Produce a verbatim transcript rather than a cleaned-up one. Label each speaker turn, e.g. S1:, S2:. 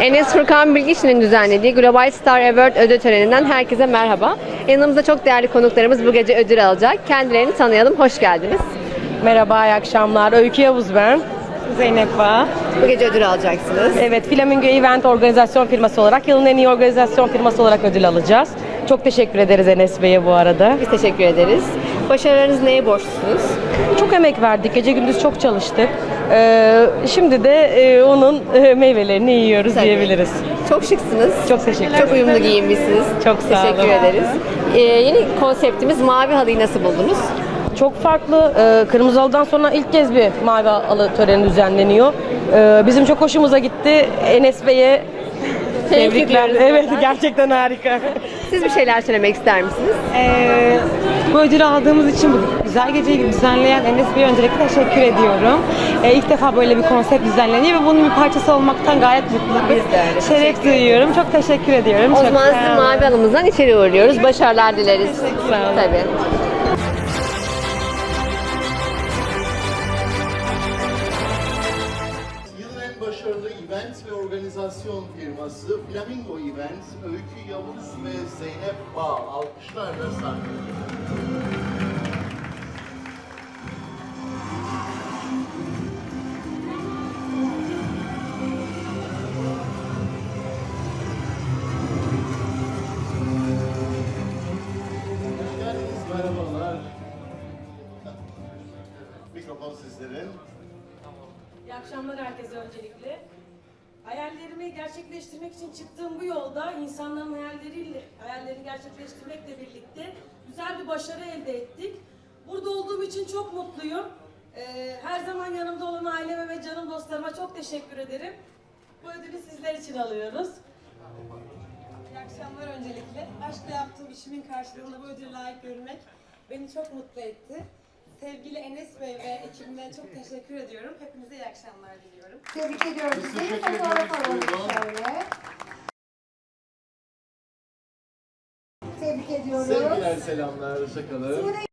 S1: Enes Furkan Bilgiç'in düzenlediği Global Star Award ödül töreninden herkese merhaba. Yanımızda çok değerli konuklarımız bu gece ödül alacak. Kendilerini tanıyalım, hoş geldiniz.
S2: Merhaba, iyi akşamlar. Öykü Yavuz ben. Zeynep Bağ.
S1: Bu gece ödül alacaksınız.
S2: Evet, Flamingo Event organizasyon firması olarak, yılın en iyi organizasyon firması olarak ödül alacağız. Çok teşekkür ederiz Enes Bey'e bu arada.
S1: Biz teşekkür ederiz. Başarılarınız neye borçlusunuz?
S2: Çok emek verdik, gece gündüz çok çalıştık. Ee, şimdi de e, onun e, meyvelerini yiyoruz
S1: Tabii.
S2: diyebiliriz.
S1: Çok şıksınız.
S2: Çok teşekkür ederim.
S1: Çok uyumlu giyinmişsiniz.
S2: Çok sağ olun.
S1: Teşekkür ederiz. Ee, yeni konseptimiz Mavi Halı'yı nasıl buldunuz?
S2: Çok farklı. Ee, Kırmızı Halı'dan sonra ilk kez bir mavi halı töreni düzenleniyor. Ee, bizim çok hoşumuza gitti. Enes Bey'e tebrikler.
S1: ediyoruz
S2: Evet,
S1: buradan.
S2: gerçekten harika.
S1: Siz bir şeyler söylemek ister misiniz?
S3: Ee, bu ödülü aldığımız için bu güzel geceyi düzenleyen Enes Bey'e öncelikle teşekkür ediyorum. Ee, ilk defa böyle bir konsept düzenleniyor ve bunun bir parçası olmaktan gayet mutluyum.
S1: Biz de öyle.
S3: Şeref duyuyorum. Çok teşekkür ediyorum.
S1: O
S3: Çok
S1: zaman
S3: sağ
S1: sizi
S3: olun.
S1: Mavi Halımızdan içeri uğurluyoruz. Başarılar dileriz.
S3: Sağ olun.
S1: Tabii.
S4: Yılın en başarılı event ve organizasyon firması Flamingo Event, Öykü Yavuz ve Zeynep Bağ alkışlarla sahnede. Hoş geldiniz, merhabalar. Mikrofon sizlerin.
S5: İyi akşamlar herkese öncelikle. Hayallerimi gerçekleştirmek için çıktığım bu yolda insanların hayalleriyle, hayallerini gerçekleştirmekle birlikte güzel bir başarı elde ettik. Burada olduğum için çok mutluyum. Ee, her zaman yanımda olan aileme ve canım dostlarıma çok teşekkür ederim. Bu ödülü sizler için alıyoruz.
S6: İyi akşamlar öncelikle. Aşkla yaptığım işimin karşılığında bu ödüle layık görülmek beni çok mutlu etti. Sevgili Enes Bey ve ekibime çok teşekkür ediyorum. Hepinize iyi akşamlar diliyorum.
S7: Tebrik ediyoruz
S4: Biz
S7: sizi.
S4: teşekkür
S7: Fotoğraf
S4: ediyoruz.
S7: alalım
S4: Buyurun.
S7: şöyle. Tebrik ediyoruz.
S4: Sevgiler, selamlar, hoşçakalın.